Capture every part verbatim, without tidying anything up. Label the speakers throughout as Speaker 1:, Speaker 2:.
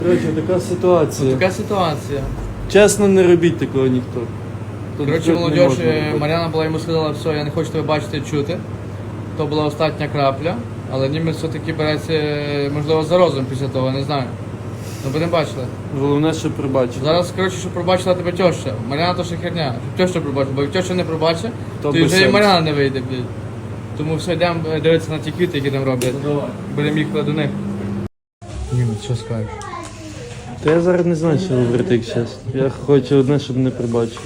Speaker 1: Коротше, така ситуація.
Speaker 2: Така ситуація.
Speaker 1: Чесно, не робіть такого ніхто. Тут
Speaker 2: Коротше,
Speaker 1: тут не
Speaker 2: молодь,
Speaker 1: можна робити.
Speaker 2: Мар'яна була йому сказала, все, я не хочу тебе бачити і чути. То була остання крапля, але німець все-таки береться, можливо, за розум після того, не знаю. Ну, будемо бачити.
Speaker 1: Головне, що пробачити.
Speaker 2: Зараз, коротше, щоб пробачила тебе тьоща. Мар'яна то ще херня. Щоб тьоща пробачила, бо як тьоща не пробачить,
Speaker 1: То
Speaker 2: то, і
Speaker 1: без
Speaker 2: вже і
Speaker 1: сенсу.
Speaker 2: Мар'яна не вийде, блядь. Тому все, йдемо дивитися на ті квіти, які там роблять. Будемо їхати до них. Німець, що скажеш?
Speaker 1: Та я зараз не знаю, що говорити, як чесно. Я хочу одне, щоб не пробачили.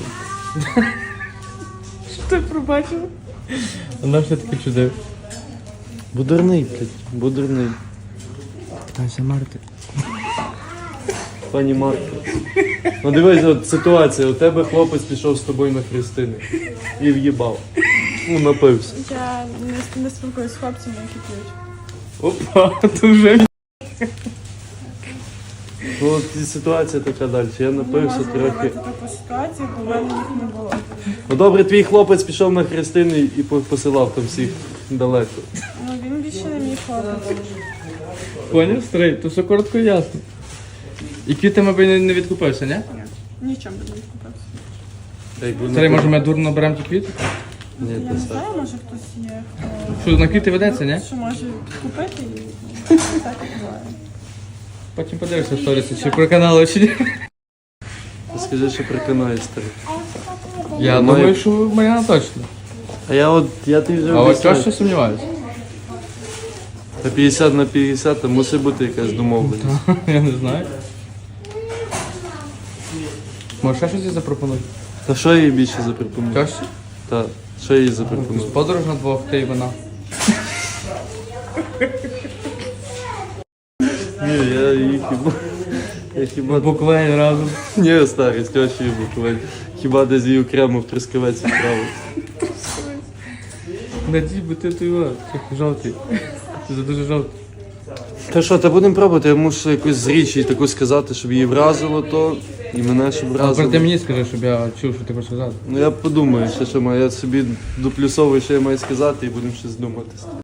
Speaker 2: Що ти пробачив? Вона все таки чудив.
Speaker 1: Бо дурний, блядь, бо дурний.
Speaker 2: Питайся Марти.
Speaker 1: Пані Марко. Ну дивись, от ситуація, у тебе хлопець пішов з тобою на хрестини. І в'їбав. Ну, напився.
Speaker 3: Я не, не спілкуюсь з хлопцями, які п'ють.
Speaker 2: Опа, то вже.
Speaker 1: Ну от і ситуація така далі. Я
Speaker 3: Не
Speaker 1: напився
Speaker 3: можу
Speaker 1: трохи.
Speaker 3: уявити таку ситуацію, бо в мене їх не було.
Speaker 1: Ну добре, твій хлопець пішов на хрестини і по- посилав там всіх далеко.
Speaker 3: Ну він більше не мій хлопець.
Speaker 2: Поняв, старий, то все коротко і ясно. І квітами би не, не відкупився, ні?
Speaker 3: Ні, нічим би не відкупився.
Speaker 1: Та якби не
Speaker 2: Старий,
Speaker 1: пив-
Speaker 2: може ми дурно беремо ті квіти?
Speaker 1: Ні,
Speaker 3: Я
Speaker 1: не
Speaker 3: не
Speaker 1: так.
Speaker 3: знаю, може хтось є, хто,
Speaker 2: Що, на квіти ведеться, ні?
Speaker 3: що може купити і ну, так і буває.
Speaker 2: Потім подивишся в сторіси, чи проканали, чи ні.
Speaker 1: Скажи, що приконає старий.
Speaker 2: Я
Speaker 1: Має-
Speaker 2: думаю, що Мар'яна точно.
Speaker 1: А я от, я ти вже
Speaker 2: А от
Speaker 1: обіцяю.
Speaker 2: що ще сумніваюся?
Speaker 1: Та п'ятдесят на п'ятдесят, там мусить бути якась домовленість.
Speaker 2: Я не знаю. Може ще щось їй запропонуй?
Speaker 1: Та що я їй більше запропоную?
Speaker 2: Тьощі?
Speaker 1: Та, що я їй запропоную?
Speaker 2: Подорож на двох, ти і вона.
Speaker 1: Ні, я її хіба... Я хіба...
Speaker 2: Буквально разом.
Speaker 1: Ні, старий, з тьощею буквально. Хіба десь її окремо в Трускавець відправив.
Speaker 2: Надій, бо ти той його, жовтий. Ти за дуже жовтий.
Speaker 1: Та що, та будемо пробувати, я мушу якусь з річ їй таку сказати, щоб її вразило то, і мене щоб
Speaker 2: А тепер ти
Speaker 1: вразило.
Speaker 2: мені скажи, щоб я чув, що ти хочеш сказати.
Speaker 1: Ну я подумаю, ще що маю, я собі доплюсовую, що я маю сказати, і будемо щось думати.